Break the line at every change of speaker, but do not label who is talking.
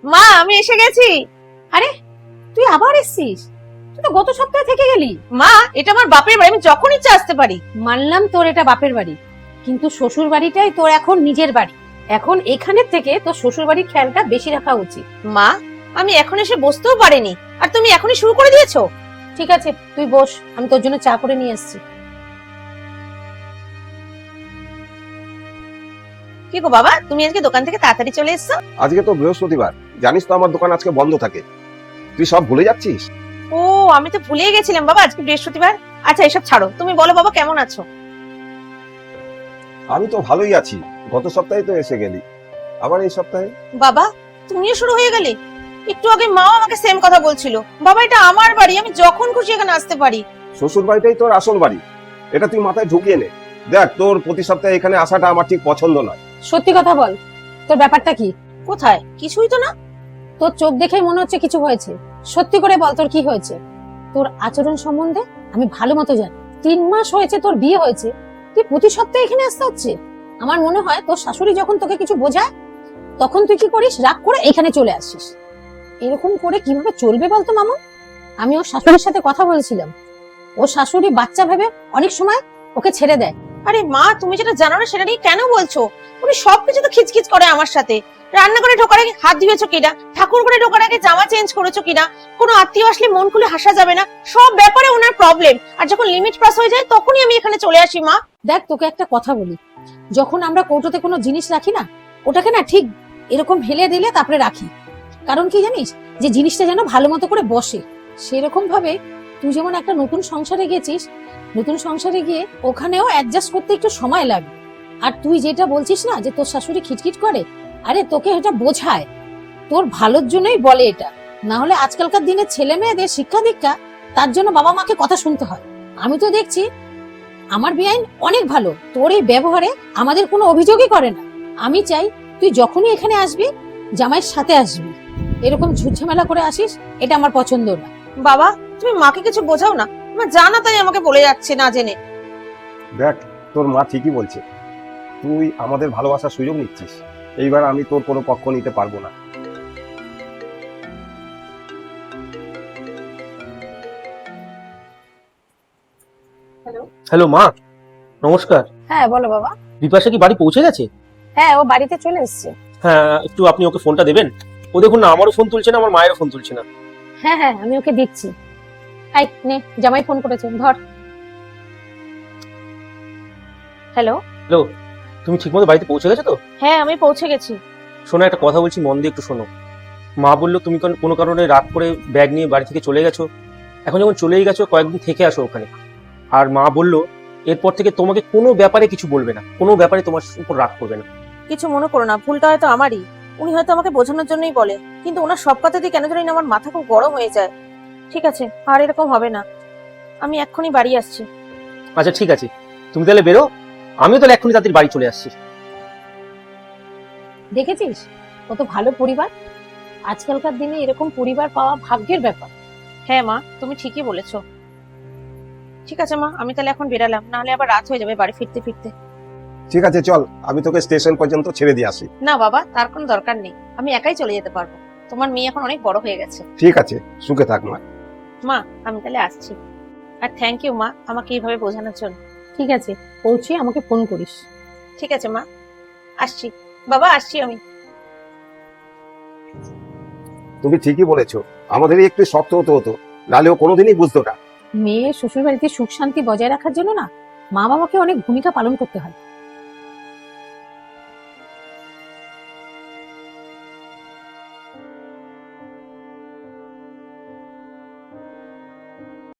মা আমি এসে গেছি।
আরে তুই আবার এসেছিস? তুই তো গত সপ্তাহে থেকে গেলি।
মা এটা আমার বাপের বাড়ি, আমি যখন ইচ্ছা আসতে পারি।
মানলাম তোর এটা বাপের বাড়ি, কিন্তু শ্বশুর বাড়িটাই তোর এখন নিজের বাড়ি। এখন এখানের থেকে তোর শ্বশুর বাড়ির খেয়ালটা বেশি রাখা উচিত।
মা আমি এখন এসে বসতেও পারিনি, আর তুমি এখনই শুরু করে দিয়েছো।
ঠিক আছে তুই বস, আমি তোর জন্য চা করে নিয়ে আসছি।
কি গো বাবা, তুমি আজকে দোকান থেকে তাড়াতাড়ি চলে এসছো?
আজকে তো বৃহস্পতিবার, জানিস তো আমার দোকান আজকে বন্ধ থাকে। তুই সব ভুলে যাচ্ছিস?
ও আমি তো ভুলেই গেছিলাম বাবা, আজকে বৃহস্পতিবার। আচ্ছা এসব ছাড়ো, তুমি বলো বাবা কেমন আছো?
আমি তো ভালোই আছি। গত সপ্তাহে তো এসে গেলি, আবার এই সপ্তাহে?
বাবা তুমিও শুরু হয়ে গেলে? একটু আগে মাও আমাকে সেম কথা বলছিল। বাবা এটা আমার বাড়ি, আমি যখন খুশি এখানে আসতে পারি।
শ্বশুর বাড়িটাই তোর আসল বাড়ি, এটা তুই মাথায় ঢুকিয়ে নে। দেখ, তোর প্রতি সপ্তাহে এখানে আসাটা আমার ঠিক পছন্দ নয়।
সত্যি কথা বল, তোর ব্যাপারটা কি?
কোথায়? কিছুই তো না।
তোর চোখ দেখেই মনে হচ্ছে কিছু হয়েছে। সত্যি করে বল তোর কি হয়েছে? তোর আচরণ সম্বন্ধে আমি ভালো মতো জানি। 3 মাস হয়েছে তোর বিয়ে হয়েছে, তুই প্রতি সপ্তাহে এখানে আসতে হচ্ছে। আমার মনে হয় তোর শাশুড়ি যখন তোকে কিছু বোঝায় তখন তুই কি করিস, রাগ করে এখানে চলে আসিস। এরকম করে কিভাবে চলবে বলতো মামুন? আমি ওর শাশুড়ির সাথে কথা বলেছিলাম, ওর শাশুড়ি বাচ্চা ভেবে অনেক সময় ওকে ছেড়ে দেয়।
আরে মা তুমি যেটা জানো না সেটা নিয়ে কেন বলছো? উনি সবকিছু তো খিচখিচ করে আমার সাথে। রান্নাঘরে ঢোকার আগে হাত ধুয়েছো কিনা, ঠাকুর ঘরে ঢোকার আগে জামা চেঞ্জ করেছো কিনা, কোনো আত্মীয় আসলে মন খুলে হাসা যাবে না, সব ব্যাপারে ওনার প্রবলেম। আর যখন লিমিট ক্রস হয়ে যায় তখনই আমি এখানে চলে আসি। মা
দেখ তোকে একটা কথা বলি, যখন আমরা কৌটোতে কোনো জিনিস রাখি না, ওটাকে না ঠিক এরকম ফেলে দিলে তারপরে রাখি। কারণ কি জানিস, যে জিনিসটা যেন ভালো মতো করে বসে। সেরকম ভাবে তুই যেমন একটা নতুন সংসারে গেছিস, নতুন সংসারে গিয়ে ওখানেও অ্যাডজাস্ট করতে একটু সময় লাগে। আর তুই যেটা বলছিস না যে তোর শাশুড়ি খিটখিট করে, আরে তোকে এটা বোঝায়, তোর ভালোর জন্যই বলে এটা। না হলে আজকালকার দিনে ছেলে মেয়েদের শিক্ষা দীক্ষা, তার জন্য বাবা মাকে কথা শুনতে হয়। আমি তো দেখছি আমার বেআইন অনেক ভালো, তোর এই ব্যবহারে আমাদের কোনো অভিযোগই করে না। আমি চাই তুই যখনই এখানে আসবি জামাইয়ের সাথে আসবি, এরকম ঝুটঝামেলা করে আসিস এটা আমার পছন্দ না।
বাবা তুমি মাকে কিছু বোঝাও না, মা জানা তাই আমাকে বলে যাচ্ছে না জেনে।
দেখ, তোর মা ঠিকই বলছে, তুই আমাদের ভালোবাসার সুযোগ নিচ্ছিস। এইবার আমি তোর কোনো পক্ষ নিতে পারবো না।
হ্যালো মা, নমস্কার।
হ্যাঁ বলো বাবা।
বিপাশা কি বাড়ি পৌঁছে গেছে?
হ্যাঁ ও বাড়িতে চলে এসেছে।
হ্যাঁ, একটু আপনি ওকে ফোনটা দেবেন। ও দেখুন না, আমারও ফোন তুলছে না, আমার মায়েরও ফোন তুলছে না।
হ্যাঁ হ্যাঁ আমি ওকে দিচ্ছি। আই নে, জামাই ফোন করেছে, ধর।
হ্যালো।
হ্যালো, তুমি ঠিকমতো বাড়িতে পৌঁছে গেছো তো?
হ্যাঁ আমি পৌঁছে গেছি।
শোনো, একটা কথা বলছি, মন দিয়ে একটু শোনো। মা বললো তুমি কোনো কারণে রাত করে ব্যাগ নিয়ে বাড়ি থেকে চলে গেছো। এখন যখন চলেই গেছো, কয়েকদিন থেকে আসো ওখানে। আর মা বললো এরপর থেকে তোমাকে কোনো ব্যাপারে কিছু বলবে না, কোনো ব্যাপারে তোমার উপর রাগ করবে না।
কিছু মনে করো না, ভুলটা হয়তো আমারই। উনি হয়তো আমাকে বোঝানোর জন্যই বলে, কিন্তু ওনার সব কথাতেই কেন জানি না আমার মাথা খুব গরম হয়ে যায়। ঠিক আছে, আর এরকম হবে না। আমি এক্ষুনি বাড়ি আসছি।
আচ্ছা ঠিক আছে, তুমি তাহলে বেরো, আমিও তাহলে এক্ষুনি তাদের বাড়ি চলে আসছি।
দেখেছিস কত ভালো পরিবার। আজকালকার দিনে এরকম পরিবার পাওয়া ভাগ্যের ব্যাপার।
হ্যাঁ মা তুমি ঠিকই বলেছো। ঠিক আছে মা, আমি তাহলে এখন বেরালাম, নাহলে আবার রাত হয়ে যাবে বাড়ি ফিরতে ফিরতে।
ঠিক আছে, চল আমি তোকে স্টেশন পর্যন্ত ছেড়ে দিয়ে আসি।
না বাবা, তার কোনো দরকার নেই, আমি একাই চলে যেতে পারবো। তোমার মেয়ে এখন অনেক বড় হয়ে গেছে।
ঠিক আছে, সুখে থাক মা।
মা আমি তাহলে আসছি। আর থ্যাংক ইউ মা আমাকে এইভাবে বোঝানোর জন্য।
ঠিক আছে, পৌঁছে আমাকে ফোন করিস।
ঠিক আছে মা, আসছি। বাবা আসছি আমি।
তুমি ঠিকই বলেছো, আমাদেরই একটু শক্ত হতে হতো, নাহলে ও কোনোদিনই বুঝতো না।
মেয়ে শ্বশুর বাড়িতে সুখ শান্তি বজায় রাখার জন্য না মা বাবাকে অনেক ভূমিকা পালন করতে হয়।